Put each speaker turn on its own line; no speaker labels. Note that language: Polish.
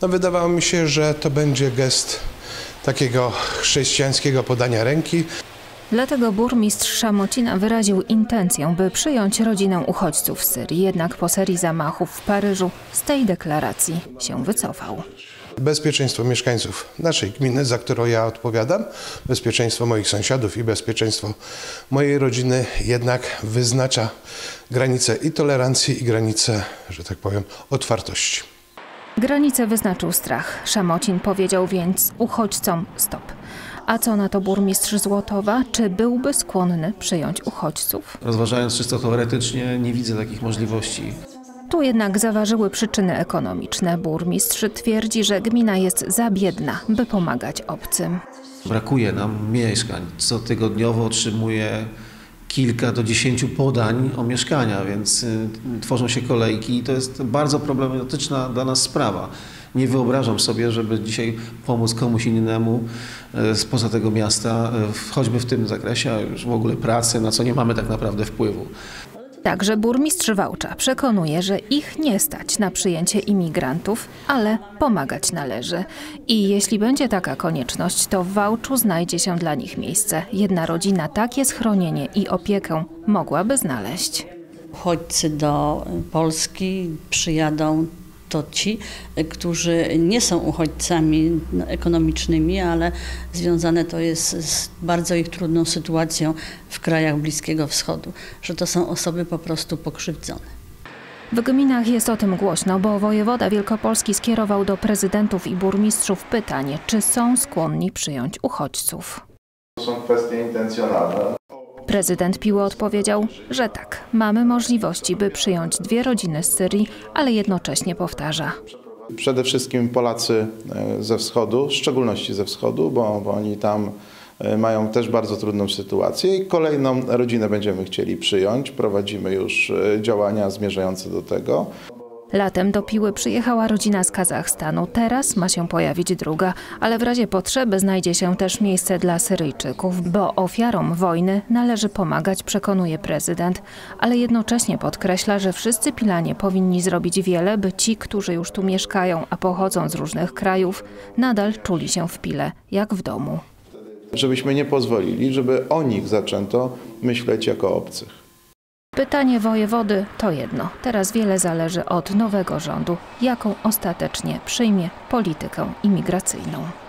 No, wydawało mi się, że to będzie gest takiego chrześcijańskiego podania ręki.
Dlatego burmistrz Szamocina wyraził intencję, by przyjąć rodzinę uchodźców z Syrii. Jednak po serii zamachów w Paryżu z tej deklaracji się wycofał.
Bezpieczeństwo mieszkańców naszej gminy, za którą ja odpowiadam, bezpieczeństwo moich sąsiadów i bezpieczeństwo mojej rodziny jednak wyznacza granice i tolerancji, i granice, że tak powiem, otwartości.
Granicę wyznaczył strach. Szamocin powiedział więc uchodźcom stop. A co na to burmistrz Złotowa? Czy byłby skłonny przyjąć uchodźców?
Rozważając czysto teoretycznie, nie widzę takich możliwości.
Tu jednak zaważyły przyczyny ekonomiczne. Burmistrz twierdzi, że gmina jest za biedna, by pomagać obcym.
Brakuje nam mieszkań. Cotygodniowo otrzymuję kilka do 10 podań o mieszkania, więc tworzą się kolejki i to jest bardzo problematyczna dla nas sprawa. Nie wyobrażam sobie, żeby dzisiaj pomóc komuś innemu spoza tego miasta, choćby w tym zakresie, a już w ogóle pracy, na co nie mamy tak naprawdę wpływu.
Także burmistrz Wałcza przekonuje, że ich nie stać na przyjęcie imigrantów, ale pomagać należy. I jeśli będzie taka konieczność, to w Wałczu znajdzie się dla nich miejsce. Jedna rodzina takie schronienie i opiekę mogłaby znaleźć.
Uchodźcy do Polski przyjadą to ci, którzy nie są uchodźcami ekonomicznymi, ale związane to jest z bardzo ich trudną sytuacją w krajach Bliskiego Wschodu, że to są osoby po prostu pokrzywdzone.
W gminach jest o tym głośno, bo wojewoda wielkopolski skierował do prezydentów i burmistrzów pytanie, czy są skłonni przyjąć uchodźców.
To są kwestie intencjonalne.
Prezydent Piły odpowiedział, że tak, mamy możliwości, by przyjąć 2 rodziny z Syrii, ale jednocześnie powtarza.
Przede wszystkim Polacy ze wschodu, w szczególności ze wschodu, bo oni tam mają też bardzo trudną sytuację i kolejną rodzinę będziemy chcieli przyjąć. Prowadzimy już działania zmierzające do tego.
Latem do Piły przyjechała rodzina z Kazachstanu. Teraz ma się pojawić druga, ale w razie potrzeby znajdzie się też miejsce dla Syryjczyków, bo ofiarom wojny należy pomagać, przekonuje prezydent, ale jednocześnie podkreśla, że wszyscy Pilanie powinni zrobić wiele, by ci, którzy już tu mieszkają, a pochodzą z różnych krajów, nadal czuli się w Pile, jak w domu.
Żebyśmy nie pozwolili, żeby o nich zaczęto myśleć jako obcych.
Pytanie wojewody to jedno. Teraz wiele zależy od nowego rządu, jaką ostatecznie przyjmie politykę imigracyjną.